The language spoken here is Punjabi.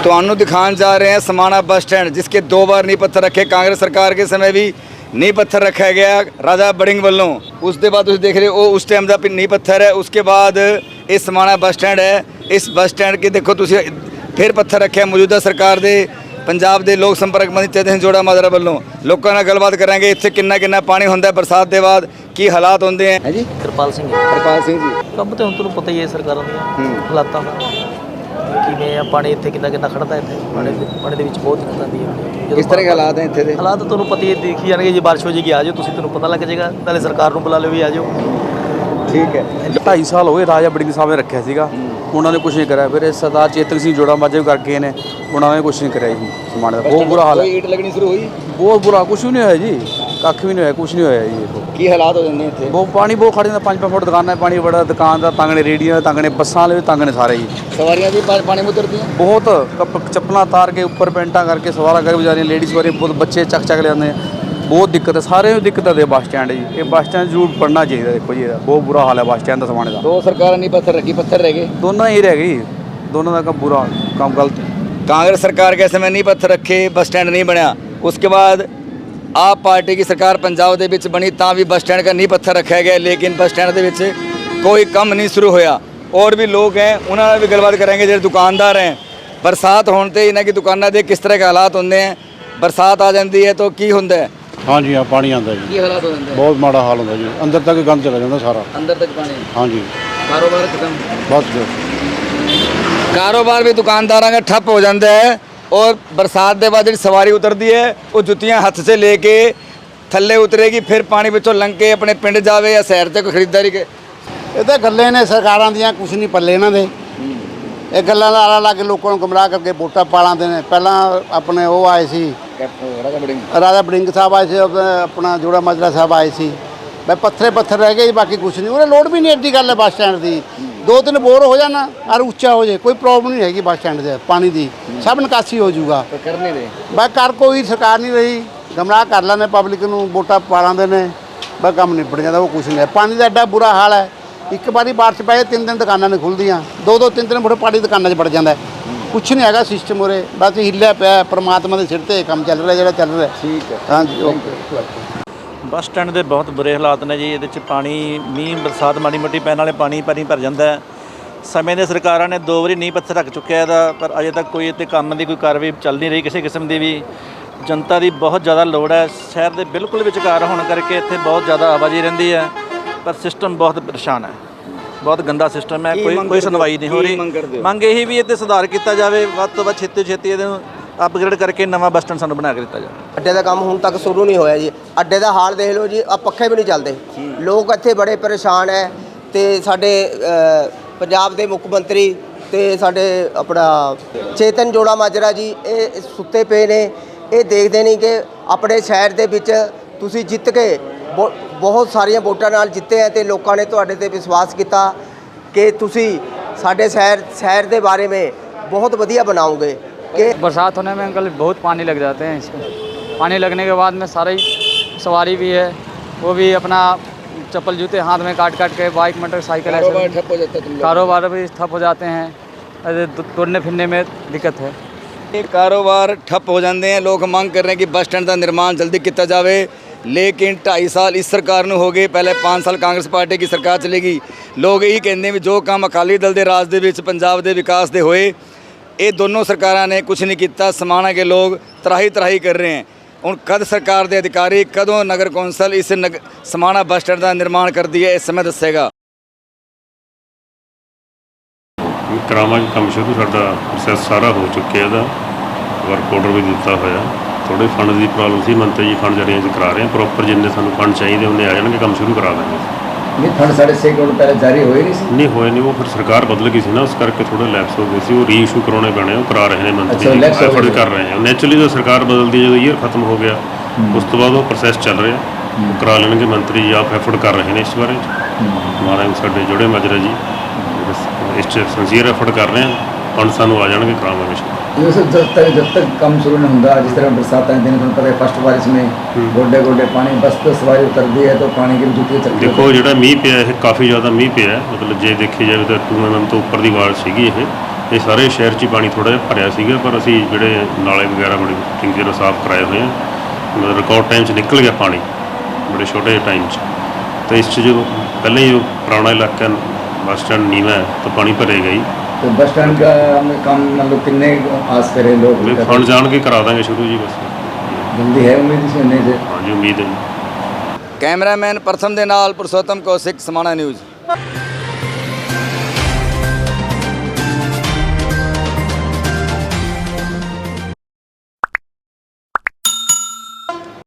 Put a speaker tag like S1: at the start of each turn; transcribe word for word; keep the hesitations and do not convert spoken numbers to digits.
S1: ਤੁਹਾਨੂੰ ਦਿਖਾਉਣ ਜਾ ਰਹੇ हैं समाना बस स्टैंड, जिसके दो बार नींह पत्थर रखे कांग्रेस सरकार के समय भी नींह पत्थर रखा गया राजा बड़िंग वालों। उसके बाद तुम देख रहे हो उस टाइम का नींह पत्थर है। उसके बाद ये समाना बस स्टैंड है। इस बस स्टैंड के देखो तुम फिर पत्थर रखे मौजूदा सरकार के पंजाब के लोक संपर्क मंत्री चेतन सिंह जोड़ा माजरा वालों। लोगों नाल गलबात करांगे इत्थे किन्ना किन्ना पानी होंदा है बरसात के बाद, की हालात होंदे हैं। जी
S2: कृपाल सिंह
S1: कृपाल सिंह जी
S2: ਕੰਮ ਤੇ ਹੁਣ ਤੁਹਾਨੂੰ ਪਤਾ ਹੀ ਹੈ ਸਰਕਾਰਾਂ ਦੀਆਂ ਹਾਲਾਤਾਂ ਦਾ ਕਿਵੇਂ ਆ। ਪਾਣੀ ਇੱਥੇ ਕਿੰਨਾ ਕਿੰਨਾ ਖੜਦਾ ਇੱਥੇ ਪਾਣੀ ਦੇ ਪਾਣੀ ਦੇ ਵਿੱਚ ਬਹੁਤ ਦਿੱਕਤ ਆਉਂਦੀ ਹੈ।
S1: किस तरह के हालात हैं इत्थे दे?
S2: ਹਾਲਾਤ ਤੁਹਾਨੂੰ ਪਤਾ ਹੀ ਹੈ, ਦੇਖੀ ਜਾਣਗੇ। ਜੇ ਬਾਰਿਸ਼ ਹੋ ਜਾਏਗੀ ਆ ਜਾਓ ਤੁਸੀਂ, ਤੁਹਾਨੂੰ ਪਤਾ ਲੱਗ ਜਾਏਗਾ। ਨਾਲੇ ਸਰਕਾਰ ਨੂੰ ਬੁਲਾ ਲਿਓ ਵੀ ਆ ਜਾਓ।
S1: ठीक है।
S3: ਢਾਈ ਸਾਲ ਹੋਏ ਰਾਜਾ ਬੜਿੰਗ ਸਾਹਿਬ ਨੇ ਰੱਖਿਆ ਸੀਗਾ, ਉਹਨਾਂ ਨੇ ਕੁਝ ਨਹੀਂ ਕਰਿਆ। ਫਿਰ ਸਰਦਾਰ ਚੇਤਨ ਸਿੰਘ ਜੋੜਾ ਮਾਝੇ ਵੀ ਕਰਕੇ ਨੇ, ਉਹਨਾਂ ਨੇ ਕੁਝ ਨਹੀਂ ਕਰਿਆ ਜੀ। ਸਮਾਨ ਦਾ ਬਹੁਤ ਬੁਰਾ ਹਾਲ ਹੈ।
S1: ईट लगनी शुरू हुई,
S3: ਬਹੁਤ ਬੁਰਾ, ਕੁਝ ਵੀ ਨਹੀਂ ਹੋਇਆ ਜੀ, ਕੱਖ ਵੀ ਨਹੀਂ ਹੋਇਆ, ਕੁਝ ਨਹੀਂ ਹੋਇਆ ਜੀ। ਦੇਖੋ
S1: की हालात हो जाते हैं इत्थे।
S3: ਬਹੁਤ ਪਾਣੀ ਬਹੁਤ ਖੜ ਜਾਂਦਾ, ਪੰਜ ਪੰਜ ਫੁੱਟ ਦੁਕਾਨਾਂ ਪਾਣੀ ਬੜਾ, ਦੁਕਾਨ ਦਾ ਤੰਗ ਨੇ, ਰੇੜੀਆਂ ਦਾ ਤੰਗ ਨੇ, ਬੱਸਾਂ ਵਾਲੇ ਵੀ ਤੰਗ ਨੇ ਸਾਰੇ ਜੀ।
S1: सवारियां भी पा- पानी में उतरती हैं।
S3: ਬਹੁਤ ਕੱਪ- ਚੱਪਲਾਂ ਤਾਰ ਕੇ ਉੱਪਰ ਪੈਂਟਾਂ ਕਰਕੇ ਸਵਾਰਾ ਕਰਕੇ ਵਿਚਾਰੀਆਂ ਲੇਡੀਜ਼ ਵਾਰੀ ਬਹੁਤ ਬੱਚੇ ਚੱਕ ਚੱਕ ਲਿਆਉਂਦੇ ਆ। ਬਹੁਤ ਦਿੱਕਤ ਹੈ, ਸਾਰਿਆਂ ਨੂੰ ਦਿੱਕਤ ਹੈ ਬੱਸ ਸਟੈਂਡ ਜੀ। ਇਹ ਬੱਸ ਸਟੈਂਡ ਜ਼ਰੂਰ ਪੜਨਾ ਚਾਹੀਦਾ। ਦੇਖੋ ਜੀ ਇਹਦਾ ਬਹੁਤ ਬੁਰਾ ਹਾਲ ਹੈ ਬੱਸ ਸਟੈਂਡ ਦਾ ਸਮਾਣੇ ਦਾ।
S1: दो सरकार नींह पत्थर रखी, पत्थर रह गए।
S3: ਦੋਨੋਂ ਹੀ ਰਹਿ ਗਈ, ਦੋਨੋਂ ਦਾ ਕੰਮ ਬੁਰਾ ਕੰਮ ਗਲਤ।
S1: कांग्रेस सरकार के समय नींह पत्थर रखे बस स्टैंड नहीं बनया। उसके बाद आप पार्टी की सरकार पंजाब दे विच बनी तां भी बस स्टैंड का नींह पत्थर रखा गया, लेकिन बस स्टैंड दे विच कोई कम नहीं शुरू होया। और भी लोग हैं उन्होंने भी गलबात करेंगे। जो दुकानदार हैं, बरसात होने इन्हों की दुकानों के किस तरह के हालात होंगे हैं? बरसात आ जाती है तो की होंगे?
S4: हाँ जी, हाँ पानी आता जी,
S1: की हालात हो जाते हैं?
S4: बहुत माड़ा हाल होता जी, अंदर तक गंद चला जाता सारा।
S1: अंदर तक पानी,
S4: हाँ जी,
S1: कारोबार खत्म,
S4: बस जो
S1: कारोबार भी दुकानदारों का ठप हो जाता है। और बरसात के बाद जी सवारी उतरती है वो जुत्तियां हथ से लेके थले उतरेगी, फिर पानी विचों लंघ के अपने पिंड जावे या शहर से कोई खरीदारी के।
S5: ਇਹ ਤਾਂ ਗੱਲਾਂ ਨੇ ਸਰਕਾਰਾਂ ਦੀਆਂ, ਕੁਛ ਨਹੀਂ ਪੱਲੇ ਇਹਨਾਂ ਦੇ। ਇਹ ਗੱਲਾਂ ਦਾ ਆਲਾ ਲਾ ਕੇ ਲੋਕਾਂ ਨੂੰ ਗੁੰਮਰਾਹ ਕਰਕੇ ਵੋਟਾਂ ਪਾ ਲਾਂਦੇ ਨੇ। ਪਹਿਲਾਂ ਆਪਣੇ ਉਹ ਆਏ ਸੀ ਰਾਜਾ ਬੜਿੰਗ ਸਾਹਿਬ ਆਏ ਸੀ, ਆਪਣਾ ਜੋੜਾ ਮਾਜਰਾ ਸਾਹਿਬ ਆਏ ਸੀ। ਬਈ ਪੱਥਰੇ ਪੱਥਰ ਰਹਿ ਗਏ ਜੀ, ਬਾਕੀ ਕੁਛ ਨਹੀਂ। ਉਹਨੇ ਲੋੜ ਵੀ ਨਹੀਂ ਐਡੀ ਗੱਲ ਹੈ ਬੱਸ ਸਟੈਂਡ ਦੀ। ਦੋ ਤਿੰਨ ਬੋਰ ਹੋ ਜਾਣਾ ਔਰ ਉੱਚਾ ਹੋ ਜਾਏ, ਕੋਈ ਪ੍ਰੋਬਲਮ ਨਹੀਂ ਹੈਗੀ ਬੱਸ ਸਟੈਂਡ ਦੇ ਪਾਣੀ ਦੀ, ਸਭ ਨਿਕਾਸੀ ਹੋ ਜਾਊਗਾ।
S1: करने दे
S5: ਬਈ ਕਰ ਕੋਈ ਸਰਕਾਰ ਨਹੀਂ ਰਹੀ, ਗੁੰਮਰਾਹ ਕਰ ਲੈਂਦੇ ਪਬਲਿਕ ਨੂੰ, ਵੋਟਾਂ ਪਾ ਲਾਂਦੇ ਨੇ, ਬਈ ਕੰਮ ਨਿਬੜ ਜਾਂਦਾ। ਉਹ ਕੁਛ ਨਹੀਂ ਹੈ। ਪਾਣੀ ਦਾ ਐਡਾ ਬੁਰਾ ਹਾਲ ਹੈ, ਇੱਕ ਵਾਰੀ ਬਾਰਿਸ਼ ਪਏ ਤਿੰਨ ਦਿਨ ਦੁਕਾਨਾਂ ਨਹੀਂ ਖੁੱਲ੍ਹਦੀਆਂ, ਦੋ ਦੋ ਤਿੰਨ ਤਿੰਨ ਫੁੱਟ ਪਾਣੀ ਦੁਕਾਨਾਂ 'ਚ ਵੜ ਜਾਂਦਾ। ਕੁਛ ਨਹੀਂ ਹੈਗਾ ਸਿਸਟਮ ਉਰੇ, ਬਸ ਹਿੱਲਿਆ ਪਿਆ। ਪਰਮਾਤਮਾ ਦੇ ਸਿਰ ਤੇ ਇਹ ਕੰਮ ਚੱਲ ਰਿਹਾ ਜਿਹੜਾ ਚੱਲ ਰਿਹਾ।
S1: ठीक है।
S5: ਹਾਂਜੀ ਓਕੇ।
S2: ਬੱਸ ਸਟੈਂਡ ਦੇ ਬਹੁਤ ਬੁਰੇ ਹਾਲਾਤ ਨੇ ਜੀ। ਇਹਦੇ 'ਚ ਪਾਣੀ ਮੀਂਹ ਬਰਸਾਤ ਮਾੜੀ ਮੋਟੀ ਪੈਣ ਵਾਲੇ ਪਾਣੀ ਪਾਣੀ ਭਰ ਜਾਂਦਾ ਹੈ। ਸਮੇਂ ਦੇ ਸਰਕਾਰਾਂ ਨੇ ਦੋ ਵਾਰੀ ਨੀਂਹ ਪੱਥਰ ਰੱਖ ਚੁੱਕਿਆ ਇਹਦਾ, ਪਰ ਅਜੇ ਤੱਕ ਕੋਈ ਇੱਥੇ ਕੰਮ ਦੀ ਕੋਈ ਕਾਰਵਾਈ ਚੱਲ ਨਹੀਂ ਰਹੀ ਕਿਸੇ ਕਿਸਮ ਦੀ ਵੀ। ਜਨਤਾ ਦੀ ਬਹੁਤ ਜ਼ਿਆਦਾ ਲੋੜ ਹੈ। ਸ਼ਹਿਰ ਦੇ ਬਿਲਕੁਲ ਵਿਚਕਾਰ ਹੋਣ ਕਰਕੇ ਇੱਥੇ ਬਹੁਤ ਜ਼ਿਆਦਾ ਆਵਾਜਾਈ ਰਹਿੰਦੀ ਹੈ, ਪਰ ਸਿਸਟਮ ਬਹੁਤ ਪਰੇਸ਼ਾਨ ਹੈ। ਬਹੁਤ ਗੰਦਾ ਸਿਸਟਮ ਹੈ, ਕੋਈ ਕੋਈ ਸੁਣਵਾਈ ਨਹੀਂ ਹੋ ਰਹੀ। ਮੰਗ ਇਹੀ ਵੀ ਇੱਥੇ ਸੁਧਾਰ ਕੀਤਾ ਜਾਵੇ, ਵੱਧ ਤੋਂ ਵੱਧ ਛੇਤੀ ਛੇਤੀ ਇਹਦੇ ਨੂੰ ਅਪਗ੍ਰੇਡ ਕਰਕੇ ਨਵਾਂ ਬੱਸ ਸਟੈਂਡ ਸਾਨੂੰ ਬਣਾ ਕੇ ਦਿੱਤਾ ਜਾਵੇ।
S6: ਅੱਡੇ ਦਾ ਕੰਮ ਹੁਣ ਤੱਕ ਸ਼ੁਰੂ ਨਹੀਂ ਹੋਇਆ ਜੀ। ਅੱਡੇ ਦਾ ਹਾਲ ਦੇਖ ਲਓ ਜੀ, ਆ ਪੱਖੇ ਵੀ ਨਹੀਂ ਚੱਲਦੇ। ਲੋਕ ਇੱਥੇ ਬੜੇ ਪਰੇਸ਼ਾਨ ਹੈ। ਤੇ ਸਾਡੇ ਪੰਜਾਬ ਦੇ ਮੁੱਖ ਮੰਤਰੀ ਤੇ ਸਾਡੇ ਆਪਣਾ ਚੇਤਨ ਜੋੜਾ ਮਾਜਰਾ ਜੀ ਇਹ ਸੁੱਤੇ ਪਏ ਨੇ। ਇਹ ਦੇਖਦੇ ਨਹੀਂ ਕਿ ਆਪਣੇ ਸ਼ਹਿਰ ਦੇ ਵਿੱਚ ਤੁਸੀਂ ਜਿੱਤ ਕੇ ਬਹੁਤ ਸਾਰੀਆਂ ਵੋਟਾਂ ਨਾਲ ਜਿੱਤੇ ਹੈ ਤੇ ਲੋਕਾਂ ਨੇ ਤੁਹਾਡੇ ਤੇ ਵਿਸ਼ਵਾਸ ਕੀਤਾ ਕਿ ਤੁਸੀਂ ਸਾਡੇ शहर शहर के बारे में बहुत बढ़िया बनाओगे। कि
S7: बरसात होने में अंकल बहुत पानी लग जाते हैं इसमें। पानी लगने के बाद में सारी सवारी भी है, वो भी अपना चप्पल जूते हाथ में काट काट के बाइक मोटरसाइकिल ऐसे
S1: ठप हो जाता है,
S7: कारोबार भी ठप हो जाते हैं, ऐसे दौड़ने फिरने में दिक्कत है।
S1: ये कारोबार ठप हो जाते हैं। लोग मांग कर रहे हैं कि बस स्टैंड का निर्माण जल्दी किया जाए, लेकिन ढाई साल इस सरकार ਨੂੰ ਹੋ ਗਏ। ਪਹਿਲੇ पाँच साल कांग्रेस पार्टी की सरकार चलेगी। लोग यही कहते हैं भी जो काम अकाली दल के राज के पंजाब के विकास के होए, ये दोनों सरकारों ने कुछ नहीं किया। समाना के लोग तराही तराही कर रहे हैं। ਹੁਣ कद सरकार के अधिकारी कदों नगर कौंसल इस नग समाना बस स्टैंड का निर्माण करती है, इस समय दसेगा।
S8: ਕਰਾਵਾਂਗੇ ਕੰਮ ਸ਼ੁਰੂ। ਸਾਡਾ ਪ੍ਰੋਸੈਸ ਸਾਰਾ ਹੋ ਚੁੱਕਿਆ, ਇਹਦਾ ਵਰਕ ਆਰਡਰ ਵੀ ਦਿੱਤਾ ਹੋਇਆ। ਥੋੜੇ ਫੰਡ ਦੀ ਪ੍ਰੋਬਲਮ ਸੀ, ਮੰਤਰੀ ਜੀ ਫੰਡ ਅਰੇਂਜ ਕਰਾ ਰਹੇ ਹਾਂ। ਪ੍ਰੋਪਰ ਜਿੰਨੇ ਸਾਨੂੰ ਫੰਡ ਚਾਹੀਦੇ ਉਹਨੇ ਆ ਜਾਣਗੇ, ਕੰਮ ਸ਼ੁਰੂ ਕਰਾ ਦਾਂਗੇ।
S1: नहीं फंड साढ़े छः करोड़ पहले जारी हो ही नहीं सी।
S8: ਨਹੀਂ ਹੋਏ ਨਹੀਂ, ਉਹ ਫਿਰ ਸਰਕਾਰ ਬਦਲ ਗਈ ਸੀ ਨਾ, ਉਸ ਕਰਕੇ ਥੋੜੇ ਲੈਪਸ ਹੋ ਗਏ ਸੀ। ਉਹ ਰੀਇਸ਼ੂ ਕਰਾਉਣੇ ਪੈਣੇ, ਉਹ ਕਰਾ ਰਹੇ ਨੇ ਮੰਤਰੀ ਜੀ, ਐਫਰਟ ਕਰ ਰਹੇ ਆ। ਨੈਚੁਰਲੀ ਜਦੋਂ ਸਰਕਾਰ ਬਦਲਦੀ ਹੈ, ਜਦੋਂ ਈਅਰ ਖਤਮ ਹੋ ਗਿਆ ਉਸ ਤੋਂ ਬਾਅਦ ਉਹ ਪ੍ਰੋਸੈਸ ਚੱਲ ਰਿਹਾ, ਉਹ ਕਰਾ ਲੈਣਗੇ। ਮੰਤਰੀ ਜੀ ਆਪ ਐਫਰਟ ਕਰ ਰਹੇ ਨੇ ਇਸ ਬਾਰੇ। ਮਹਾਰਾਜ ਸਾਡੇ ਜੋੜੇ ਮਾਜਰਾ ਜੀ ਇਸ 'ਚ ਸਿੰਸੀਅਰ ਐਫਰਟ ਕਰ ਰਹੇ ਆ। फंड सानू आ जाएंगे, करावांगे।
S1: जब तक जब तक कम शुरू नहीं होता, जिस तरह बरसात आए दिन पता है फस्ट बारिश में गोडे गोडे पानी, बस तो सवारी उतरती है तो पानी की जुटी चलती है।
S8: देखो जो मीह पिया है काफ़ी ज़्यादा मीह पिया, मतलब जे देखी जाए तो टू एम एम तो उपर की वाल सी। ਇਹ ਸਾਰੇ ਸ਼ਹਿਰ 'ਚ ਹੀ ਪਾਣੀ ਥੋੜ੍ਹਾ ਜਿਹਾ ਭਰਿਆ ਸੀਗਾ, ਪਰ ਅਸੀਂ ਜਿਹੜੇ ਨਾਲੇ ਵਗੈਰਾ ਬੜੇ ਚੰਗੀ ਤਰ੍ਹਾਂ ਸਾਫ਼ ਕਰਾਏ ਹੋਏ ਆ, ਮਤਲਬ ਰਿਕਾਰਡ ਟਾਈਮ 'ਚ ਨਿਕਲ ਗਿਆ ਪਾਣੀ ਬੜੇ ਛੋਟੇ ਜਿਹੇ ਟਾਈਮ 'ਚ। ਤਾਂ ਇਸ 'ਚ ਜੋ ਪਹਿਲਾਂ ਹੀ ਉਹ ਪੁਰਾਣਾ ਇਲਾਕਾ ਬੱਸ ਸਟੈਂਡ ਨੀਵਾਂ ਹੈ ਤਾਂ ਪਾਣੀ ਭਰੇਗਾ ਹੀ।
S1: तो बस स्टैंड का काम मतलब कितने आस करें लोग?
S8: ਫੰਡ ਜਾਣ ਕੇ ਕਰਾ ਦਾਂਗੇ ਸ਼ੁਰੂ ਜੀ, ਬਸ
S1: जल्दी है उम्मीद इसे होने से?
S8: ਹਾਂਜੀ ਉਮੀਦ ਹੈ ਜੀ।
S1: कैमरामैन प्रथम दे नाल पुरुषोत्तम कौशिक, समाणा न्यूज़।